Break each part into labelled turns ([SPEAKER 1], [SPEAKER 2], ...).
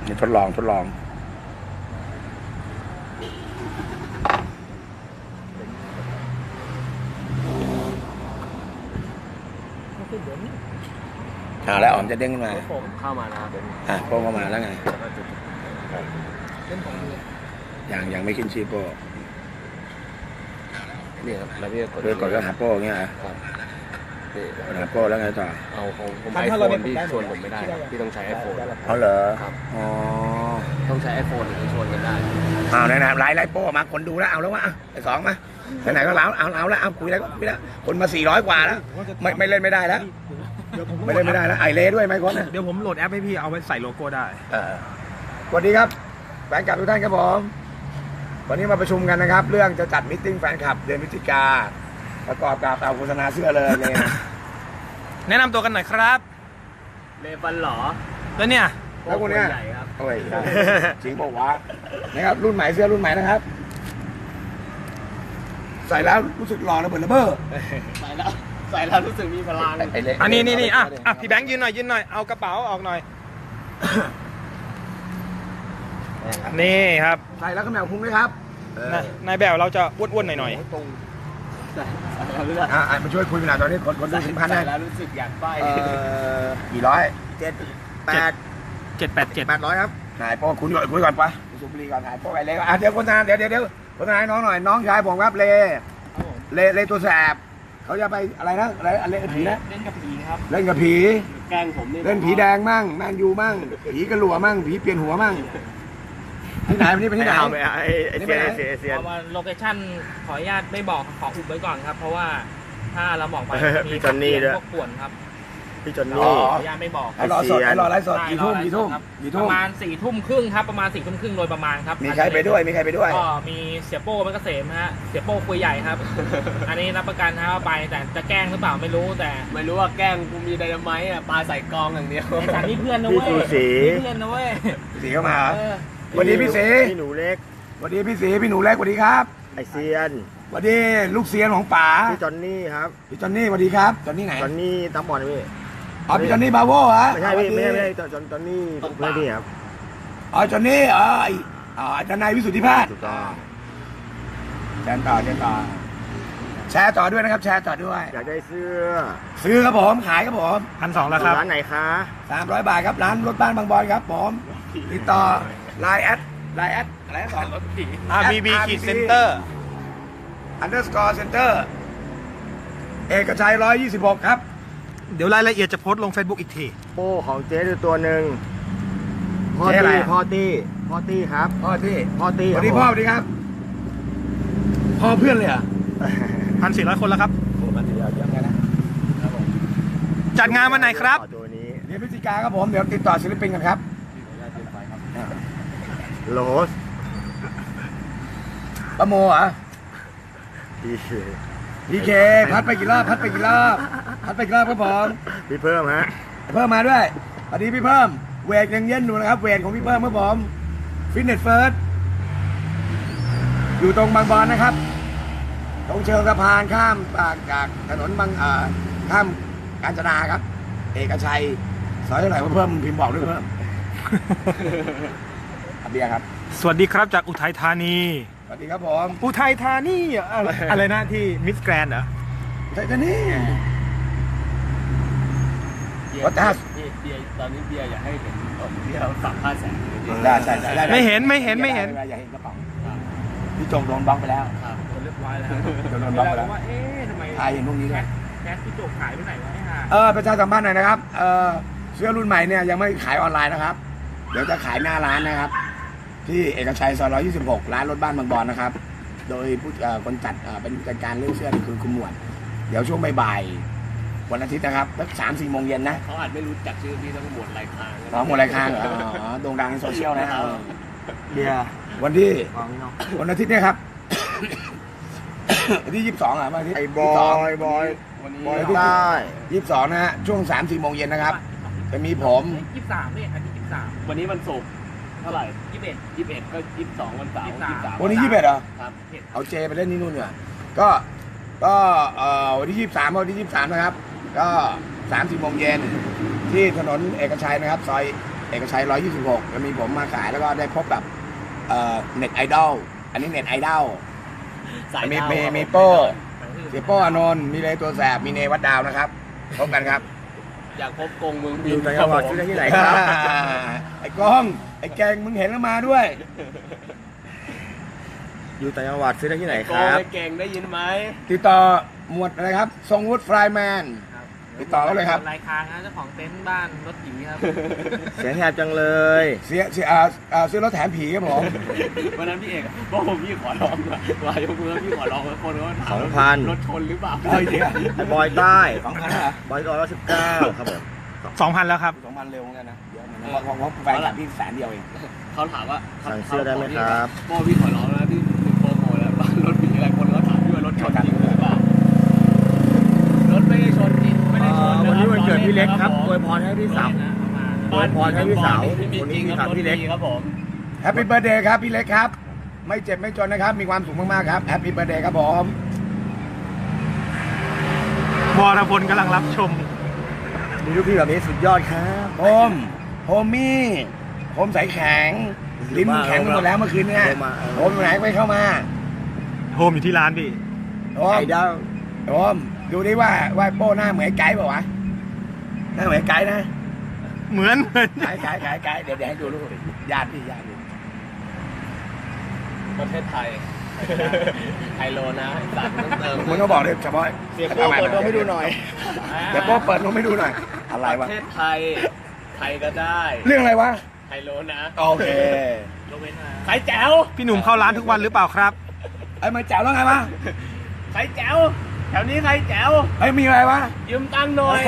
[SPEAKER 1] นี่ทดลองแล้วอ๋อมจะเด้งขึ้นมา
[SPEAKER 2] ผมเข้ามานะครับ
[SPEAKER 1] โป้งเข้ามาแล้วไง
[SPEAKER 2] เป็นของมือ
[SPEAKER 1] ยังไม่ขึ้นชื่อโป้
[SPEAKER 2] นี่ครับแล้วพี่
[SPEAKER 1] กดก็หาโป้เงี้ยหาโป้แล้วไงต่อ
[SPEAKER 2] เอาผมไอโฟนพี่ชวนผมไม่ได้พี่ต้องใช้ไอโฟน
[SPEAKER 1] เอาเหรอ
[SPEAKER 2] ครับ
[SPEAKER 1] อ๋อ
[SPEAKER 2] ต้องใช้ไอโฟนถึงจะชวนกันได้
[SPEAKER 1] ไหนไล่โป้มาคนดูแล้วเอาแล้ววะไอ้สองมาไหนก็เอาแล้วเอาคุยแล้วก็คุยแล้วคนมา400 กว่าแล้วไม่เล่นไม่ได้แล้วไม่เล่นไม่ได้แล้วไอเล่ด้วยไหมคน
[SPEAKER 3] เดี๋ยวผมโหลดแอปให้พี่เอาไว้ใส่โลโก้ได้
[SPEAKER 1] สวัสดีครับแฟนคลับทุกท่านครับผมวันนี้มาประชุมกันนะครับเรื่องจะจัดมิทติ้งแฟนคลับเดือนพฤศจิกาประกอบกับเอาโฆษณาเสื้อเลยเนี่ย
[SPEAKER 3] แนะนำตัวกันหน่อยครับ
[SPEAKER 2] เลฟันหรอ
[SPEAKER 3] แล้วเนี่ย
[SPEAKER 1] แล้วคนเนี้ยโอ้ยจริงบอกว่านะครับรุ่นใหม่เสื้อรุ่นใหม่นะครับใส่แล้วรู้สึกหล่อระเบิดระเบ้อ
[SPEAKER 2] ใส่แล้วรู้สึกมีพลัง
[SPEAKER 3] อันนี้อ่ะพี่แบงค์ยืนหน่อยเอากระเป๋าออกหน่อยนี่ครับ
[SPEAKER 1] ใส่แล้วก็แมวพุงด้วยครับ
[SPEAKER 3] นายแบบเราจะอ้วนๆหน่อย
[SPEAKER 2] ตรง
[SPEAKER 1] มาช่วยคุยกันหน่อยตอนนี้คนดู1,000ได้
[SPEAKER 2] แล้วรู้สึกอยากไป
[SPEAKER 1] กี่ร้อย800ครับนายพ่อคุณคุยก่อนปะสุบรีก่อนนายพ่อไปเลยเดี๋ยวคนงานเดี๋ยวคนงานน้องหน่อยน้องชายผมครับเลตัวแสบเขาจะไปอะไรนะอะไรเล่นผีนะ
[SPEAKER 2] เล่นกับผีครับ
[SPEAKER 1] เล่นกับผี
[SPEAKER 2] แกล้งผม
[SPEAKER 1] เล่นผีแดงมั่งแมนยูมั่งผีกระหลัวมั่งผีเปลี่ยนหัวมั่งที่ไหนวันนี้ไปที่ไหน
[SPEAKER 3] ไอเซียน
[SPEAKER 4] โลเคชั่นขออนุญาตไม่บอกขออุบไว้ก่อนครับเพราะว่าถ้าเราบอกไป
[SPEAKER 3] มีจอนนี่ด้วย
[SPEAKER 4] พวกป่วนครับ
[SPEAKER 3] พี่จอนนี่
[SPEAKER 4] ขออนุญาตไม่บอก
[SPEAKER 1] รอไลฟ์สดกี่ทุ่ม
[SPEAKER 4] ประมาณ4 ทุ่มครึ่งครับประมาณ4 ทุ่มครึ่งโดยประมาณครับ
[SPEAKER 1] มีใครไปด้วย
[SPEAKER 4] ก็มีเสียโป้มันเกษมฮะเสียโป้คุยใหญ่ครับอันนี้รับประกันนะว่าไปแต่จะแกล้งหรือเปล่าไม่รู้แต่
[SPEAKER 2] ไม่รู้ว่าแกล้งกูมีไดนาไมต์ปาใส่กองอย่างเดียว
[SPEAKER 4] แต่นี่เพื่อนนะเว้ยเพื่อนนะเว้ย
[SPEAKER 1] สีเข้ามาวันนี้พี่สี
[SPEAKER 3] พี่หนูเล็ก
[SPEAKER 1] วันนี้พี่สีพี่หนูเล็กสวัสดีครับ
[SPEAKER 3] ไอเซียน
[SPEAKER 1] วันนี้ลูกเซียนของป๋า
[SPEAKER 3] พี่จอนนี่ครับ
[SPEAKER 1] พี่จอนนี่สวัสดีครับจอนนี่ไหน
[SPEAKER 3] จอนนี่ตั้งบอลพี่
[SPEAKER 1] พี่จอนนี่บาโว่ฮะ
[SPEAKER 3] ไม่ใช่พี่ไม่ใช่จอนนี่เพื่อนพี่ครับ
[SPEAKER 1] จอนนี่อาจารย์นายวิสุทธิภาส
[SPEAKER 3] ถูกต้อง
[SPEAKER 1] แชร์ต่อแชร์ต่อด้วยนะครับแชร์ต่อด้วย
[SPEAKER 3] อยากได้เสื้อ
[SPEAKER 1] ซื้อครับผมขายครับผม
[SPEAKER 3] 1,200แล้วครับร้านไหนคะ
[SPEAKER 1] 300 บาทครับร้านรถบ้านบางบอนครับผมติดต่อไลน์แอดอะไรก่อน
[SPEAKER 3] BB Center
[SPEAKER 1] _ Center เอกชัย126ครับ
[SPEAKER 3] เดี๋ยวรายละเอียดจะโพสต์ลง Facebook อีกที
[SPEAKER 2] โป้ของเจ๊ดูตัวหนึ่งพ่อตี้ครับ
[SPEAKER 1] พ่อตี้
[SPEAKER 2] สวั
[SPEAKER 1] สดีพ่อสวัสดีครับพ่อเพื่อนเลยอ่ะ
[SPEAKER 3] 1,400 คนแล้วครับ
[SPEAKER 1] โอ้มันเยอะไงนะ
[SPEAKER 3] จัดงานวันไหนครับ
[SPEAKER 1] ตัวนี้เดือนพฤศจิกาครับผมเดี๋ยวติดต่อศิลปินกันครับ
[SPEAKER 3] โลส
[SPEAKER 1] ปะโมอ่ะพีเคพัดไปกี่รอบครับผม
[SPEAKER 3] พี่เพิ่มฮะ
[SPEAKER 1] เพิ่มมาด้วยสวัสดีพี่เพิ่มเวทยังเย็นอยู่นะครับเวทของพี่เพิ่มครับผมฟิตเนสเฟิร์สอยู่ตรงบางบอนนะครับตรงเชิงสะพานข้ามจากถนนข้ามกาญจนาครับเอกชัยซอยเท่าไหร่เพิ่มพิมพ์บอกด้วยเพิ่มเบียร์ครับ
[SPEAKER 3] สวัสดีครับจากอุทัยธานี
[SPEAKER 1] สวัสดีครับผม
[SPEAKER 3] อุทัยธานีอะไรนะที่มิสแกรนด์เหรอ
[SPEAKER 1] อุทัยธานี
[SPEAKER 2] วัดท่าตอนนี้เบียร์อยากให้เห็นเบียร์สัมภาษณ์แสง
[SPEAKER 1] ได้
[SPEAKER 3] ไม่เห็น
[SPEAKER 1] อย่าเห็นกระเป๋าพี่จงโดนบล็อกไปแล้ว
[SPEAKER 4] เรียบร้อยแล้ว
[SPEAKER 1] โดนบล็อกไปแล้ว
[SPEAKER 4] ว่าทำไม
[SPEAKER 1] เห็นพวกนี้ด้วย
[SPEAKER 4] แคสพี่โจกขายไปไหนวะ
[SPEAKER 1] ประชาสัมพันธ์หน่อยนะครับเสื้อรุ่นใหม่เนี่ยยังไม่ขายออนไลน์นะครับเดี๋ยวจะขายหน้าร้านนะครับที่เอกชัยซอย126ร้านรถบ้านบางบอนนะครับโดยผู้คนจัดเป็นผู้จัดการเรื่องเสื้อคือคุณหมวดเดี๋ยวช่วงบ่ายวันอาทิตย์นะครับสัก3-4 โมงเย็นนะ
[SPEAKER 2] เขาอาจไม่รู้จักชื่อพี่ต้องหมวดลายคาง
[SPEAKER 1] หมวดลายคางเหรอโด่งดังในโซเชียลนะ
[SPEAKER 3] เบียร์
[SPEAKER 1] วันที่วันอาทิตย์เนี่ยครับวันที่22อ่ะวันอาทิตย์
[SPEAKER 3] ไอ้บอย
[SPEAKER 1] ได้22นะฮะช่วง3-4 โมงเย็นนะครับจะมีผม
[SPEAKER 4] 23เนี่ยอาทิตย์23
[SPEAKER 2] วันนี้วันศุกร์เท่าไหร่21ก็22วันเสาร์23
[SPEAKER 1] วันนี้21เหรอ
[SPEAKER 2] ครับ
[SPEAKER 1] เอาเจไปเล่นนี่นู่นเนี่ยก็วันที่23วันที่23นะครับก็3-4 โมงเย็นที่ถนนเอกชัยนะครับซอยเอกชัย126จะมีผมมาขายแล้วก็ได้พบกับเน็ตไอดอลอันนี้เน็ตไอดอลมีโป้เสียโป้อานนท์มีเลตัวแสบมีเนวัดดาวนะครับพบกันครับ
[SPEAKER 5] อยากพบกงมึง
[SPEAKER 2] อยู่ต่างจังหวัดซื้อได้ที่ไหนครับ
[SPEAKER 1] ไอ้กล้องไอ้แกงมึงเห็นแล้วมาด้วย
[SPEAKER 2] อยู่ต่างจังหวัดซื้อได้ที่ไหน
[SPEAKER 5] โก
[SPEAKER 2] ค
[SPEAKER 5] ง
[SPEAKER 2] รับ
[SPEAKER 5] ไอ้เก่งได้ยินไหม
[SPEAKER 1] ติดต่อหมวดอะไรครับทรงวุฒิฟรายแมน ติดต่อเขาเลยครับ
[SPEAKER 4] รายค้างนะเจ้าของเต็นท์บ้านรถผีครับ
[SPEAKER 2] เสียงแหบจังเลย
[SPEAKER 1] ซื้อรถแถมผีครับผม
[SPEAKER 5] วันนั้นพี่เอกบอกผมพี่ขอร้องว่ายกมือพี่ขอร้องแล้วคนก็ถาม
[SPEAKER 2] 2,000
[SPEAKER 5] รถชนหรือเปล่า
[SPEAKER 1] เฮ้ยเดี๋ยว
[SPEAKER 2] ไอ้บอยใต้
[SPEAKER 1] 2,000เหรอบ
[SPEAKER 2] อย119ครับผม
[SPEAKER 3] 2,000 แล้วครับ
[SPEAKER 1] 2,000เร็วเหมือนกันนะเดี๋ยวมันเพราะแฟนคลับพี่100,000เดียวเอง
[SPEAKER 5] เขาถามว่า
[SPEAKER 2] สั่งเสื้อได้ไหมครับ
[SPEAKER 5] โบพี่ขอร้องนะพี่ถึงโปรโมทแล้วบ้านรถผีอะไรคนก็ถามพี่ว่ารถชนจริงหรือเปล่ารถไม่ได้ชนจริงไม่ได้ชน
[SPEAKER 2] วันนี้วันเกิดพี่เล็กครับอวยพรให้พี่สาว อวยพรให้พี่สาว
[SPEAKER 5] วันนี้
[SPEAKER 2] วันนี้
[SPEAKER 5] มี
[SPEAKER 2] ถามพี่เล็ก
[SPEAKER 5] ครับผม
[SPEAKER 1] แฮปปี้เบิร์ดเดย์ครับพี่เล็กครับ ไม่เจ็บไม่จนนะครับ มีความสุขมากๆครับแฮปปี้เบิร์ดเดย์ครับผม
[SPEAKER 3] วรพลกำลังรับชม
[SPEAKER 2] มีลูกพี่แบบนี้สุดยอดครับ
[SPEAKER 1] โฮมี่ผมใสแข็งลิ้นมึงแข็งไปหมดแล้วเมื่อคืนเนี่ย
[SPEAKER 2] โฮมมา
[SPEAKER 1] โฮมอยู่ไหนไปเข้ามา
[SPEAKER 3] โฮมอยู่ที่ร้านพี่
[SPEAKER 1] โฮม
[SPEAKER 2] ไอ้ดาว
[SPEAKER 1] โฮมดูดิว่าโป้หน้าเหมือนไอ้ไก่เปล่าวะหน้าเหมือนไอ้ไก่นะ
[SPEAKER 3] เหมือน
[SPEAKER 1] ไก่เดี๋ยวให้ดูรูปญาติพี่
[SPEAKER 5] ประเทศไทยไฮโลนะสัตว์ต้องเติม
[SPEAKER 1] มึงก็บอกเลยเฉพาะ
[SPEAKER 2] เสียโป้เปิดตัวให้ดูหน่อย
[SPEAKER 1] เดี๋ยวโป้เปิดลงให้ดูหน่อยอะไร
[SPEAKER 5] ป
[SPEAKER 1] วะ
[SPEAKER 5] ระเทศไทยไทยก็ได้
[SPEAKER 1] เรื่องอะไรวะ
[SPEAKER 5] ไฮโลนะ
[SPEAKER 1] โอเค
[SPEAKER 4] ยกเว้นมา
[SPEAKER 5] ใครแจ๋ว
[SPEAKER 3] พี่หนุ่มเข้าร้านทุกวันหรือเปล่าครับ
[SPEAKER 1] ไอ้มาแจ๋วแล้วไงวะ
[SPEAKER 5] ใครแจ๋วแถวนี้ใครแจ๋ว
[SPEAKER 1] ไอ้มีอะไรวะ
[SPEAKER 5] ยืมตังค์หน่อย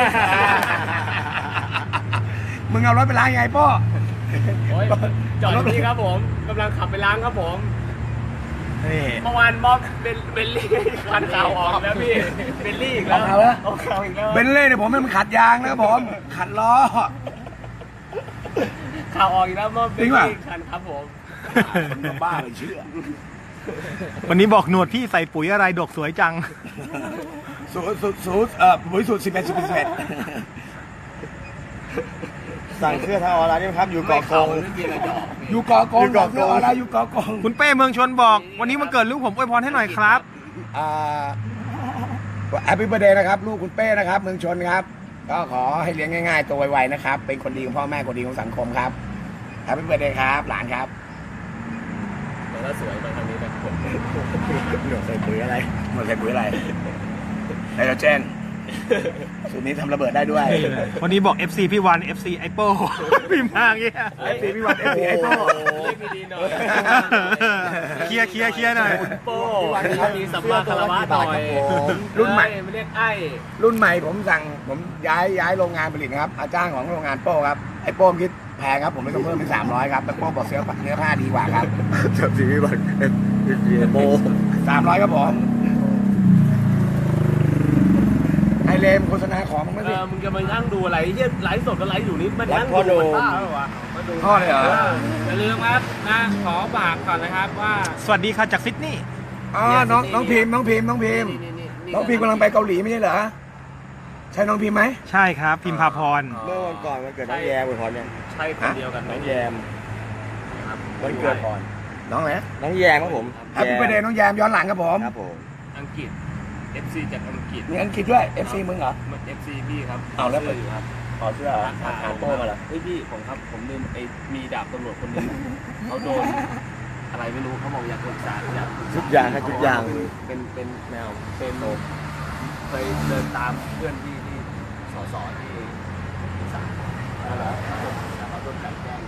[SPEAKER 1] มึงเอารถไปล้างยังไงโป้
[SPEAKER 5] โอ้ยจอดที่นี่ครับผมกำลังขับไปล้างครับผม
[SPEAKER 1] นี่
[SPEAKER 5] เมื่อวานบ๊อบเบลลี่คันข่าวออกแล้วพี่เบลลี่อีกแล้ว
[SPEAKER 1] เอาแล้ว
[SPEAKER 5] เอาข่าวอีกแล้ว
[SPEAKER 1] เบนเล่เนี่ยผมให้มันขัดยางนะครับผมขัดล้อ
[SPEAKER 5] ข่าวออกอีกแล้วเมื่อเบ
[SPEAKER 1] จริ
[SPEAKER 5] ล
[SPEAKER 1] งป่ะ
[SPEAKER 5] ลี่คันครับผม
[SPEAKER 1] คนก็บ้าเลยเชื่อ
[SPEAKER 3] วันนี้บอกหนวดพี่ใส่ปุ๋ยอะไรดกสวยจัง
[SPEAKER 1] บริสุทธิ์11
[SPEAKER 2] สั่งเสื้อทางออนไลน์ได้ไหมครับ อยู่เกาะกง
[SPEAKER 5] ไม่มีอะไรจะออก
[SPEAKER 1] อยู่เกาะกงเสื้ออะไรอยู่เกาะกง
[SPEAKER 3] คุณเป้เมืองชนบอก วันนี้มันเกิดลูกผมอวยพรให้หน่อยครับ
[SPEAKER 1] แฮปปี้เบอร์เดย์นะครับลูกคุณเป้นะครับเมืองชนครับ ก็ขอให้เลี้ยงง่ายๆตัวไวๆนะครับ เป็นคนดีของพ่อแม่คนดีของสังคมครับแฮปปี้เบอร์เดย์ครับหลานครับ
[SPEAKER 5] แต่ถ้าสวยมาทางนี้นะ
[SPEAKER 2] หนวดใส่ปุ๋ยอะไร
[SPEAKER 1] หมดใส่ปุ๋ยอะไรไนโตรเจนสูตรนี้ทำระเบิดได้ด้วย
[SPEAKER 3] วันนี้บอก FC พี่วัน FC ไอโป้ พิมพ์มาอย่างเงี้ย
[SPEAKER 1] FC พี่วัน FC ไอโป้
[SPEAKER 5] เรียกดีๆหน่อย
[SPEAKER 3] เคลียร์หน่อย
[SPEAKER 5] โป้มีสัมมาคารวะหน่อย
[SPEAKER 1] รุ่นใหม่
[SPEAKER 5] ไม่เรียกไอ้
[SPEAKER 1] รุ่นใหม่ผมย้ายโรงงานผลิตนะครับอาจ้างของโรงงานโป้ครับไอโป้มคิดแพงครับผมไม่ต้องเพิ่มเป็น300ครับแต่โป้บอกเนื้อผ้าดีกว่าครับ
[SPEAKER 2] จับสีวิบัติโบ
[SPEAKER 1] 300ครับผมไอเลมโฆษณาของมึงไม่สิ
[SPEAKER 5] มึงจะมานั่งดูอะไรที่ไลฟ์สดก็ไลฟ์อยู่นี่มันนั่งดูมันบ้าหรอวะมาดู
[SPEAKER 1] พ่อเลยเหรอ
[SPEAKER 4] อย่าลืมครับนะขอฝากก่อนนะครับว่า
[SPEAKER 3] สวัสดีค่ะจากซิดนีย์
[SPEAKER 1] อ๋อน้องพิมพ์กำลังไปเกาหลีไม่ใช่เหรอใช่น้องพิมพ์ไหม
[SPEAKER 3] ใช่ครับ พิมพาพร
[SPEAKER 2] เมื่อวันก่อนมันเกิดน้องแยมอวยพรเนี่ย
[SPEAKER 5] ใช่คนเดียวกัน
[SPEAKER 2] น้องแยม
[SPEAKER 5] ครับ
[SPEAKER 2] วันเกิดก่อน
[SPEAKER 1] น้องไหน
[SPEAKER 2] น้องแยมครับผม
[SPEAKER 1] แฮปปี้เบอร์เดย์น้องแยมย้อนหลังครับผม
[SPEAKER 2] ครับผม
[SPEAKER 5] อังกฤษ FC จากอังกฤษ
[SPEAKER 1] มีอังกฤษด้วย FC มึงเหรอ
[SPEAKER 5] มัน FC พี่ครับ
[SPEAKER 1] เอาแล้ว
[SPEAKER 5] สื้อยู่ครับ
[SPEAKER 1] อ๋อเสื้อหาโป้มาเหรอ
[SPEAKER 5] เฮ้ยพี่ผมครับผมลืมไอ้มีดาบตำรวจคนหนึงเขาโดนอะไรไม่รู้เขาบอกอยากปรึกษาอยากปรึกษ
[SPEAKER 2] ทุกอย่างครับทุกอย่าง
[SPEAKER 5] เป็นแนวเป็นเคยเดินตามเพื่อนที่สสที่อีสานแล้วเขาโดนกลั่นแกล้ง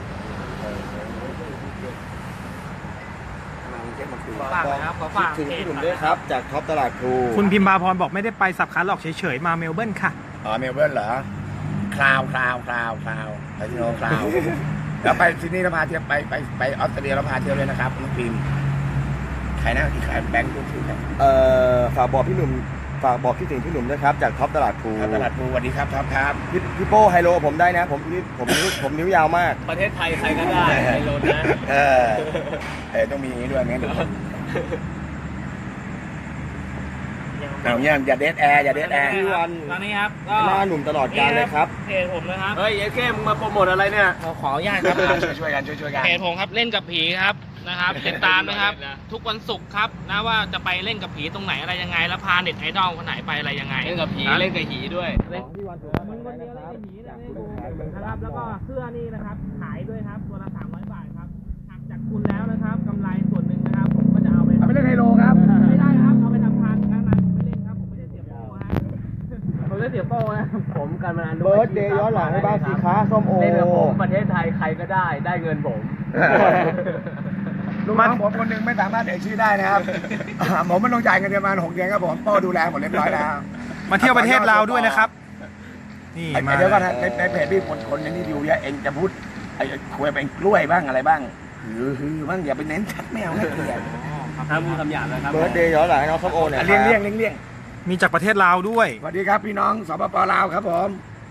[SPEAKER 5] กำลังเช็คมาคุย
[SPEAKER 4] ฝากนะครับขอฝาก
[SPEAKER 2] ถึง
[SPEAKER 4] เพจ
[SPEAKER 2] พี่หนุ่ม
[SPEAKER 4] ก่อน
[SPEAKER 2] ด้วย
[SPEAKER 4] นะ
[SPEAKER 2] ครับ จากท็อปตลาดพลู
[SPEAKER 3] คุณพิมพาพรบอกไม่ได้ไปสับขาหลอกเฉยๆ มาเมลเบิร์นค่ะ
[SPEAKER 1] อ๋อเมลเบิร์นเหรอคลาวไปที่โนคลาวแล้วไปซิดนีย์แล้วพาเที่ยวไปออสเตรเลียแล้วพาเที่ยวเลยนะครับน้องพิมพ์ใครนะที่ขายแบงค์พูดถึงนะ
[SPEAKER 2] ฝากบอกพี่หนุ่มฝากบอกคิดถึงพี่หนุ่มด้วยครับ จากท็อปตลาดพลู
[SPEAKER 1] ตลาดภูสวัสดีครับท็อปครับ
[SPEAKER 2] พี่โป้ไฮโลผมได้นะ ผมนิ้วยาวมาก
[SPEAKER 5] ประเทศไทยใครก็ได้ไฮโลนะ
[SPEAKER 1] ต้องมีอย่างนี้ด้วยงั้นเดี๋ยว
[SPEAKER 4] ยัง
[SPEAKER 1] เอาเงี้ยอย่าเดทแอร์อย่าเดทแอร์
[SPEAKER 2] พี่วัน
[SPEAKER 4] ตอนนี้ครับก็
[SPEAKER 2] หน้าหนุ่มตลอดกาลเลยครับ
[SPEAKER 4] เพจผมนะครับ
[SPEAKER 5] เฮ้ยเอเคมึงมาโปรโมทอะไรเนี่ย
[SPEAKER 4] ขออนุญาตครับ
[SPEAKER 1] ช่วยกันช่วยกัน
[SPEAKER 4] เพจผมครับเล่นกับผีครับนะครับติดตามนะครับ ทุกวันศุกร์ครับนะว่าจะไปเล่นกับผีตรงไหนอะไรยังไง แล้วพาเน็ตไอดอลคนไหนไปอะไรยังไง
[SPEAKER 5] เล่นกับผีเล่นกับหีด้วย
[SPEAKER 4] เล่นมึงคนเดียวเล่นกับผีนะนะครับแล้วก็เสื้อนี่นะครับขายด้วยครับตัวละ300 บาทครับหักจากคุณแล้วนะครับกำไรส่วนหนึ่งนะครับผมก็จะเอาไป
[SPEAKER 1] เอาไปเล่นไฮโลครับ
[SPEAKER 4] ไม่ได้ครับเอาไปทำทานนะผมไม่เล่นครับผมไม่ได้เสียโป้ฮะผมไม่ได้เสียโป้นะ
[SPEAKER 5] ผมกันมา
[SPEAKER 2] เบิร์ดเดย์ย้อนหลังให้บ้างสิค้าส้มโอ
[SPEAKER 5] เล่นกับผมประเทศไทยใครก็ได้เงินผม
[SPEAKER 1] ลูกน้องผมคนหนึ่งไม่สามารถเอ่ยชื่อได้นะครับผมมันต้องจ่ายเงินเดือนประมาณ6 เดือนครับผมโป้ดูแลหมดเรียบร้อยแล้ว
[SPEAKER 3] มาเที่ยวประเทศลาวด้วยนะครับ นี่
[SPEAKER 1] ไอ้
[SPEAKER 3] มา
[SPEAKER 1] เดี๋ยวก่อนนะในเพจพี่คนนี้ดูเยอะเองจะพูดไอ้คุยเป็นกล้วยบ้างอะไรบ้างฮือบ้างอย่าไปเน้นชัดแมวนะเกลียด
[SPEAKER 5] ห้ามพูดคำหยาบนะครับ
[SPEAKER 2] เบิร์ดเดย์ย้อนหลังให้น้องส้มโอเนี่ย
[SPEAKER 1] เลี่ยงเลี่ยง
[SPEAKER 3] มีจากประเทศลาวด้วย
[SPEAKER 1] สวัสดีครับพี่น้องสปปลาวครับผม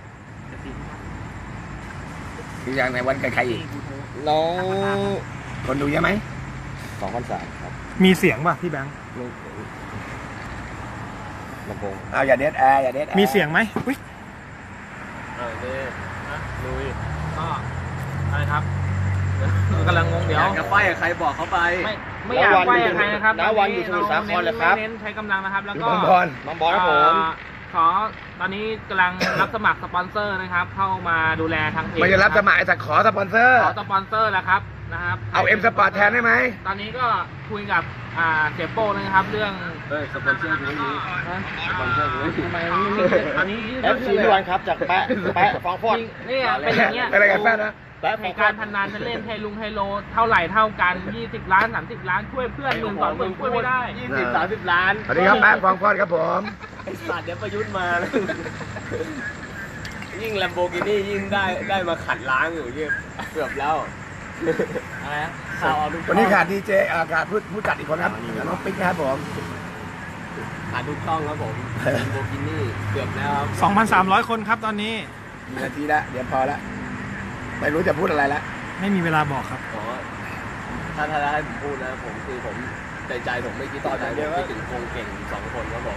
[SPEAKER 1] ที่อย่างในวันใครอีก
[SPEAKER 2] น้อง
[SPEAKER 1] คนดูเยอะไหม
[SPEAKER 2] 2,300ครับ
[SPEAKER 3] มีเสียงป่ะพี่แบงค์
[SPEAKER 2] ลำโพง
[SPEAKER 1] เอาอย่าเดทแอร์อย่าเดทแอร์
[SPEAKER 3] มีเสียงไหมอุ๊ย
[SPEAKER 5] ลุย
[SPEAKER 4] ก็อะไรครับกำลังงงเดี๋ยว
[SPEAKER 5] อยากจะไฟกับใครบอกเขาไป
[SPEAKER 4] ไม่อยากไหว้กับใครนะครับ
[SPEAKER 2] น้าวันอยู่สมุทรสาครเลยครับ
[SPEAKER 4] เน้นใช้กำลังนะครับ แล้ว
[SPEAKER 1] คือ
[SPEAKER 4] ก็
[SPEAKER 1] บอลบอล
[SPEAKER 2] น้องบอลครับผม
[SPEAKER 4] ขอตอนนี้กำลังรับสมัครสปอนเซอร์นะครับ เข้ามาดูแลทางเพจ
[SPEAKER 1] ไม่จะรับสมัครแต่ขอสปอนเซอร์
[SPEAKER 4] ขอสปอนเซอร์แล้วครับนะครับ
[SPEAKER 1] เอาเอ็มสปอร์ตแทนได้ไหม
[SPEAKER 4] ตอนนี้ก็คุยกับเสียโป้นะครับเรื่อง
[SPEAKER 5] เฮ้ยสปอนเซอร์กูไม่มีสปอนเซอร์กูไม่มี
[SPEAKER 4] ทำไมมันไม่มีตอนนี้
[SPEAKER 2] FC พี่วันครับจากแปะฟองฟอด
[SPEAKER 4] นี่เป็นอย่างเงี้ย
[SPEAKER 1] อะไรกันแฟนนะ
[SPEAKER 2] แปะฟ
[SPEAKER 4] ใน
[SPEAKER 2] องฟอ
[SPEAKER 4] การ
[SPEAKER 2] ด
[SPEAKER 4] พนันจะเล่นไฮลุงไฮโลเท่าไหร่เท่ากัน20 ล้าน30 ล้านช่วยเพื่อนหมื่นสองหมื่นช่วยไม่ได้
[SPEAKER 5] 20-30 ล้าน
[SPEAKER 1] สวัสดีครับแป๊บฟองฟอดครับผม
[SPEAKER 5] ไอ้สัตว์เดี๋ยวประยุทธ์มาแล้วยิ่งแลมโบกินี่ยิ่งได้มาขัดล้างอยู่เนี่ยเกือบแล้ว
[SPEAKER 4] อะไรนะ
[SPEAKER 5] ข่าวเอาทุก
[SPEAKER 1] วันนี้ขาดดีเจขาดผู้จัดอีกคนครับน้องปิ๊กนะครับผม
[SPEAKER 5] ขาดทุกช่องครับผมแลมโบกินี่เกือบแล้วครับ
[SPEAKER 3] 2,300 คนครับตอนนี้
[SPEAKER 1] มีนาทีละเดี๋ยวพอละไม่รู้จะพูดอะไรละ
[SPEAKER 3] ไม่มีเวลาบอกครับ
[SPEAKER 5] ขอถ้าให้ผมพูดนะผมคือผมใจผมไม่คิดต่อใจผมคิดถึงคงเก่ง2 คนครับผม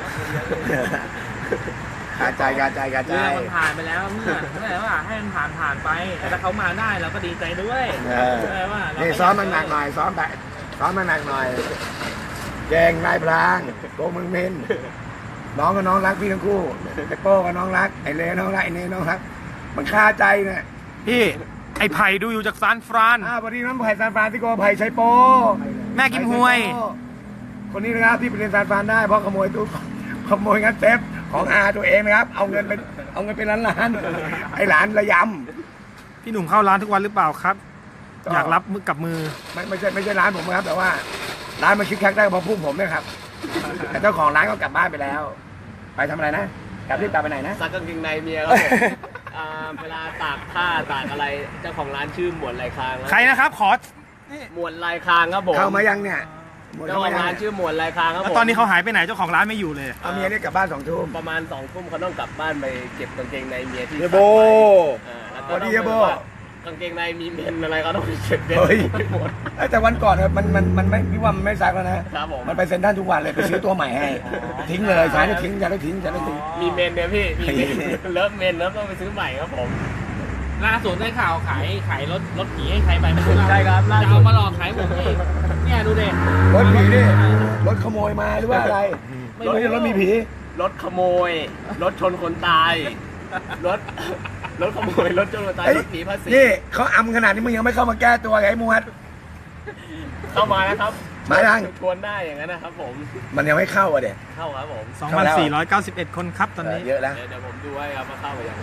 [SPEAKER 1] กาใจ
[SPEAKER 4] เรื่องมันผ่านไปแล้วเมื่อว่าให้มันผ่านไปแต่ถ้าเขามาได้เราก็ดีใจด้วย ว่าเรา
[SPEAKER 1] นี่ซ้อมมันหนักหน่อยซ้อมมันหนักหน่อยแกงนายพลางโกมึงเมนน้องกับน้องรักพี่ทั้งคู่ไอ้โป้กับน้องรักไอ้เลน้องรักไอ้เนน้องรักมันคาใจเนี่ย
[SPEAKER 3] พี่ ไอ้ไผ่ดูอยู่จากซานฟราน
[SPEAKER 1] พอดีน้องไผ่ซานฟรานซิโกไผ่ชัยโป
[SPEAKER 3] แม่กิมฮวย
[SPEAKER 1] คนนี้นะครับที่ไปเรียนซานฟรานได้เพราะขโมยตู้ขโมยงัดเซฟของอาตัวเองนะครับเอาเงินเป็นล้านไอ้หลานระย
[SPEAKER 3] พี่หนุ่มเข้าร้านทุกวันหรือเปล่าครับ
[SPEAKER 1] ก็
[SPEAKER 3] อยากรับมือกับมือ
[SPEAKER 1] ำไม่ใช่ร้านผมนะครับแต่ว่าร้านมันคิดแคกได้เพราะพุ่งผมนะครับแต่เจ้าของร้านก็กลับบ้านไปแล้ว ไปทำอะไรนะกลับไปไหนนะ
[SPEAKER 5] ซักกางเกงในเมียครับผมเวลาตากผ้าตากอะไรเจ้าของร้านชื่อหมวดลายคาง
[SPEAKER 3] ใครนะครับ ขอ
[SPEAKER 5] หมวดลายคางครับผม
[SPEAKER 1] เข้ามายังเนี่ยหมด
[SPEAKER 5] เจ้า
[SPEAKER 1] เข้า
[SPEAKER 5] ข
[SPEAKER 1] มา
[SPEAKER 5] อง
[SPEAKER 1] ยัง
[SPEAKER 5] ร้านชื่อหมวดลายคางครับ
[SPEAKER 3] แล้ว
[SPEAKER 5] ผม
[SPEAKER 3] ตอนนี้เขาหายไปไหนเจ้าของร้านไม่อยู่เลย
[SPEAKER 1] เอาเมียเรียกกลับบ้าน2 ทุ่ม
[SPEAKER 5] ประมาณ2 ทุ่มเขาต้องกลับบ้านไปเก็บกางเกงในเมียที่
[SPEAKER 2] เฮียโบ
[SPEAKER 5] แล้ว
[SPEAKER 1] ส
[SPEAKER 5] ก็
[SPEAKER 1] วัส
[SPEAKER 5] ต้
[SPEAKER 1] ดี
[SPEAKER 5] อง
[SPEAKER 1] เฮียโบ
[SPEAKER 5] กางเกงในมีเมนอะไรก็ต้องไปเก็บเมน
[SPEAKER 1] เฮ้ย
[SPEAKER 5] ไปหมด
[SPEAKER 1] แต่วันก่อนมันไม่พี่ว่ามันไม่ซักแล้วนะครับ
[SPEAKER 5] ผม
[SPEAKER 1] มันไปเซ็นทรัลทุกวันเลยไปซื้อตัวใหม่ให้ทิ้งเลยใช้ได้ทิ้งจะได้ทิ้ง
[SPEAKER 5] มีเมนเนี่ยพี่มีเมนเลิฟเมนแล้วต้องไปซื้อใหม่ครับผม
[SPEAKER 4] ล่าสุดได้ข่าวขายรถผีให้ใครไปไม่รู้
[SPEAKER 5] ใช่ครับล่า
[SPEAKER 4] จะ
[SPEAKER 5] สุ
[SPEAKER 4] เอา
[SPEAKER 5] ด
[SPEAKER 4] มาหลอกขายผมอีกเนี่ยดูดิ
[SPEAKER 1] รถผีนี่รถขโมยมาหรือว่าอะไรไม่รู้รถมีผี
[SPEAKER 5] รถขโมย รถชนคนตาย รถขโมย รถชนคนตาย รถผีภาษี
[SPEAKER 1] นี่เขาอำขนาดนี้มึงยังไม่เข้ามาแก้ตัวไงไอ้มวด
[SPEAKER 5] เข้ามานะครับ
[SPEAKER 1] มายัง
[SPEAKER 5] ชวนได้อย่างนั้นนะครับผม
[SPEAKER 1] มันยังไม่เข้าอ่ะเด็ก
[SPEAKER 5] เข้าครับผม
[SPEAKER 3] 2,491 คนครับตอนนี้
[SPEAKER 1] เยอะแล้ว
[SPEAKER 5] เดี๋ยวผมดูให้ครับว่าเข้าไปยัง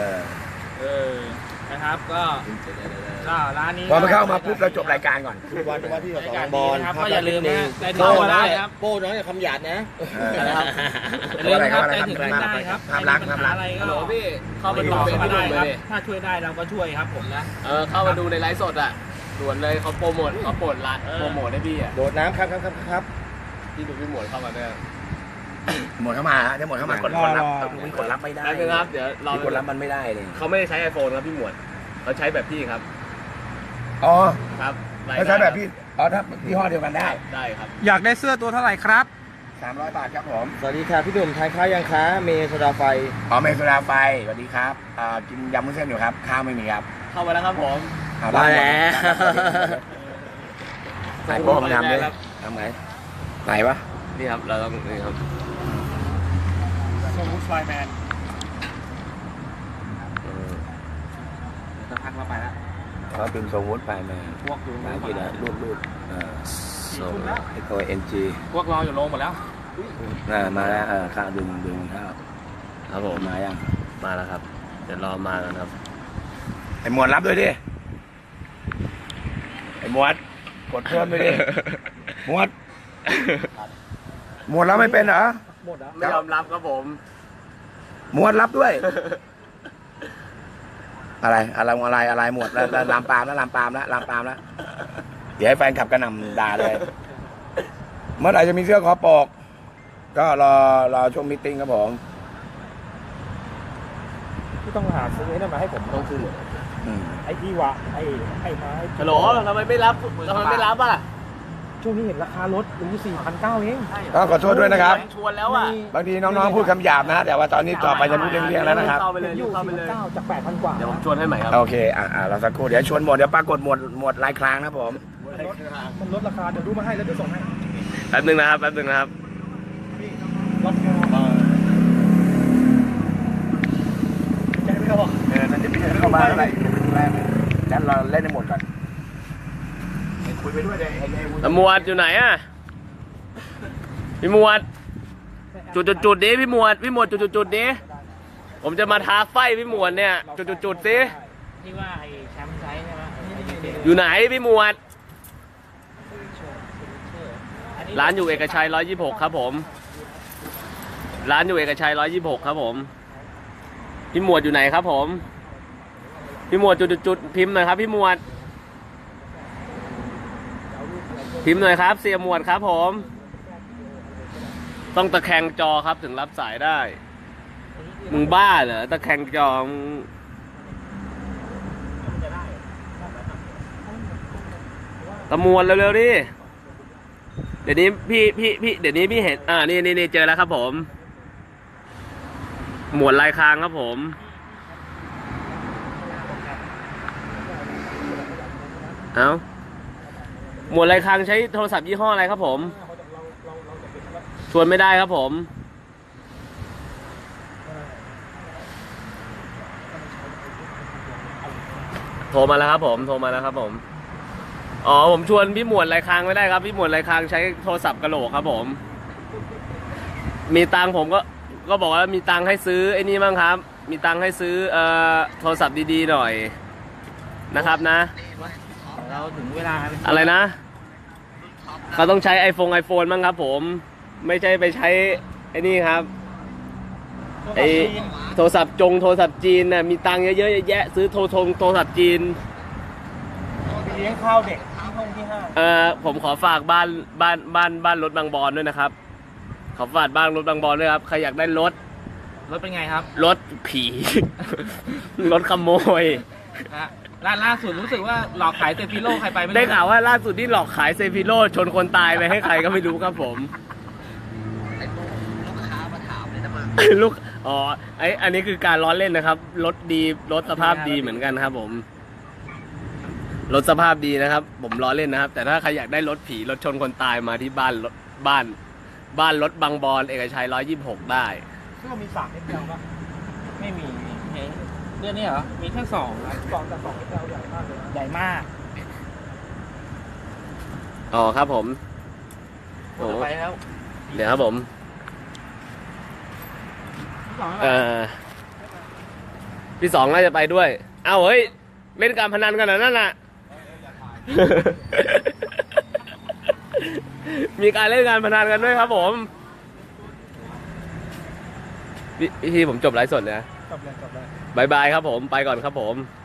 [SPEAKER 4] นะครับก็ร้านนี้
[SPEAKER 1] พอมันเข้ามาปุ๊บเราจบรายการก่อน
[SPEAKER 2] พี่วันว่าที่ส
[SPEAKER 4] ราย
[SPEAKER 2] อง
[SPEAKER 4] การ
[SPEAKER 2] บ
[SPEAKER 4] ดี
[SPEAKER 2] อล
[SPEAKER 4] นะครับก็อย่าลืมนะได้ถึง
[SPEAKER 2] โป้
[SPEAKER 4] ก็
[SPEAKER 2] ได้
[SPEAKER 4] ได้ครับ
[SPEAKER 2] โป้น้องอย่าคำหยาดนะ
[SPEAKER 4] นะครับอย่าลืมนะครับได้ถึงก็ได้ครับ
[SPEAKER 1] ภาพลักษณ์
[SPEAKER 4] ใครมีปัญหาอะไร
[SPEAKER 5] ฮั
[SPEAKER 4] ก็
[SPEAKER 5] ลโหลพี่ เข้ามาดู
[SPEAKER 4] ติดต่อ
[SPEAKER 5] เฟซ
[SPEAKER 4] เข้ามา
[SPEAKER 5] บุ๊ก
[SPEAKER 4] ได้
[SPEAKER 5] เล
[SPEAKER 4] ครับ
[SPEAKER 5] ย
[SPEAKER 4] ถ้าช่วยได้เราก็ช่วยครับผมนะ
[SPEAKER 5] เข้ามาดูในไลฟ์สดอ่ะด่วนเลยเขาโปรโมทเขาโปรโมทร้านโปรโมทให้พี่อ่ะ
[SPEAKER 2] โดดน้ำครับ
[SPEAKER 5] พี่ดูพี่หมวดเข้ามาด้วย
[SPEAKER 1] หมดเข้ามาเดี๋ยวหมดเข้ามากดรับมีกดรับไม่ได้
[SPEAKER 5] ได้ครับ เดี๋ยวเรา
[SPEAKER 1] มีกดรับมันไม่ได้เลย
[SPEAKER 5] เขาไม่ได้ใช้ iPhone ครับพี่หมวดเขาใช้แบบพี่ครับ
[SPEAKER 1] อ๋อ
[SPEAKER 5] ครับ
[SPEAKER 1] เขาใช้แบบพี่อ๋อถ้ายี่ห้อเดียวกันได้
[SPEAKER 5] ได้ครับ
[SPEAKER 3] อยากได้เสื้อตัวเท่าไหร่ครับ
[SPEAKER 1] 300 บาทครับผม
[SPEAKER 2] สวัสดีค่ะพี่หนุ่มทานข้าวยังคะเมย์โซดาไฟ
[SPEAKER 1] อ๋อเมสุราไฟสวัสดีครับกินยำมุ้นเส้นอยู่ครับข้าวไม่มีครับ
[SPEAKER 5] เข้ามาแล้วครับผม
[SPEAKER 1] เอา
[SPEAKER 2] มาแล้ว
[SPEAKER 1] ไหนโป้ผมทำด้วยทำไงไหนวะ
[SPEAKER 5] นี่ครับเราต้องนี่ครับ
[SPEAKER 3] สมูทไฟแมน
[SPEAKER 5] สักพักเราไปแล้ว
[SPEAKER 1] เขาเป็นทรงวุ้นไปมา
[SPEAKER 5] พวกอยู่
[SPEAKER 1] หากินอะรูดส่งไอตัว NG
[SPEAKER 5] พวกรออยู่โรงหมดแล้ว
[SPEAKER 1] มาแล้วข้าวดึงข้าว
[SPEAKER 5] ครับผม
[SPEAKER 1] มายัง
[SPEAKER 5] มาแล้วครับ เดี๋ยวรอมากันครับ
[SPEAKER 1] ไอหมวดรับด้วยดิไอหมวดกดเพิ่มด้วยดิหมวดรับไม่เป็นเหรอ
[SPEAKER 5] ไม่ยอมรับครับผม
[SPEAKER 1] หมวดรับด้วย อะไรหมวดแล้วลามปามแล้วเดี๋ยวให้แฟนขับกระหน่ำด่าเลย เมื่อไหร่จะมีเสื้อคอปก ก็รอช่วงมีตติ้งครับผม
[SPEAKER 3] ที่ต้องหาซื้อไอ้นั่นมาให้ผม
[SPEAKER 5] ต้องขึ้น
[SPEAKER 3] ไอ้ที่วะไอ้ไม้
[SPEAKER 5] ฮัลโหลทำไมไม่รับอ่ะ
[SPEAKER 3] ช่วงนี้เห็นราคารถรู้4,900เอง
[SPEAKER 1] ก็ขอโทษด้วยนะครับ
[SPEAKER 5] ชวนแล้วอ่ะ
[SPEAKER 1] บางทีน้องๆพูดคำหยาบนะ แต่ว่าตอนนี้ต่อไปจะพูดเลี่ยงๆแล้วนะครับ
[SPEAKER 5] เข้าไปเลย
[SPEAKER 3] อยู่
[SPEAKER 5] เข้าไปเลย
[SPEAKER 3] 4,900จาก 8,000 กว่า
[SPEAKER 5] เดี๋ยวผมชวนให้ใหม่ครับ
[SPEAKER 1] โอเคเราสักครู่เดี๋ยวชวนหมดเดี๋ยวปรากฏหมดลายคลางนะผม
[SPEAKER 3] มันลดราคาเดี๋ยวดูมาให้แล้วเดี๋ยวส่งให้
[SPEAKER 5] แป๊บนึงนะครับ
[SPEAKER 3] รับเงินใจไม่เขาบอก
[SPEAKER 1] นั่นจะไม่เข้ามาอะไรแรกงั้นเราเล่นให้หมดก่อนคุยไปด้วยเลย
[SPEAKER 5] ตำรวจอยู่ไหนอ่ะ พี่หมวด จุดดิพี่หมวดจุดดิผมจะมาท้าไฟพี่หมวดเนี่ยจุดสิ
[SPEAKER 4] ที่ว่าไอ้แชมป์ไซส์ใช่ไหม
[SPEAKER 5] อยู่ไหนพี่หมวด ร้านอยู่เอกชัย126ครับผม ร้านอยู่เอกชัย126ครับผม พี่หมวดอยู่ไหนครับผม พี่หมวดจุดพิมพ์หน่อยครับพี่หมวด พิมพ์หน่อยครับเสียหมวดครับผม ต้องตะแคงจอครับถึงรับสายได้ มึงบ้าเหรอตะแคงจอมึงตะมวนเร็วๆดิเดี๋ยวนี้พี่เดี๋ยวนี้พี่เห็นนี่เจอแล้วครับผม หมวดลายคางครับผมเอาหมวดลายคางใช้โทรศัพท์ยี่ห้ออะไรครับผมชวนไม่ได้ครับผมโทรมาแล้วครับผมอ๋อผมชวนพี่หมวดลายคางไม่ได้ครับพี่หมวดลายคางใช้โทรศัพท์กะโหลกครับผมมีตังผมก็บอกว่ามีตังให้ซื้อไอ้นี่บ้างครับมีตังให้ซื้อโทรศัพท์ดีๆหน่อยนะครับนะ
[SPEAKER 4] เราถึงเวลา
[SPEAKER 5] อะไรนะเขาต้องใช้ไอโฟนบ้างครับผมไม่ใช่ไปใช้ไอ้นี่ครับไอโทรศัพท์จีนน่ะมีตังค์เยอะๆแยะซื้อโทรศัพท์จีน
[SPEAKER 3] เลี้ยงข้าวเด็กที่ห้าง
[SPEAKER 5] ผมขอฝากบ้านรถบางบอนด้วยนะครับขอฝากบ้านรถบางบอนด้วยครับใครอยากได้รถ
[SPEAKER 4] รถเป็นไงครับ
[SPEAKER 5] รถผี รถขโมย
[SPEAKER 4] ล่าสุดรู้สึกว่าหลอกขายเซฟิโลใครไปไม่รู้
[SPEAKER 5] ได้ข่าวว่าล่าสุดที่หลอกขายเซฟิโลชนคนตายไปให้ใครก็ไม่รู้ครับผมลูกอ๋ออันนี้คือการล้อเล่นนะครับรถดีรถสภาพดีเหมือนกันครับผมรถสภาพดีนะครับ ผมล้อเล่นนะครับ แต่ถ้าใครอยากได้รถผีรถชนคนตายมาที่บ้านรถบางบอนเอกชัย126ได้
[SPEAKER 3] ซึ่งมี3 XL ป่ะ
[SPEAKER 4] ไม่มีเรื่องนี้เหรอมีแค่2ครับ
[SPEAKER 3] แต่2 XL ใหญ่มากเลยนะ
[SPEAKER 4] ใหญ่มาก
[SPEAKER 5] อ๋อครับผม
[SPEAKER 4] โอ้ไปแล้ว
[SPEAKER 5] เดี๋ยวครับผม พี่สองน่าจะไปด้วยเอ้าเฮ้ยเล่นการพนันกันเหรอนั่นน่ะ มีการเล่นการพนันกันด้วยครับผมพี่ผมจบไลฟ์สดเลยนะ
[SPEAKER 3] จบเลย
[SPEAKER 5] บายบายครับผมไปก่อนครับผม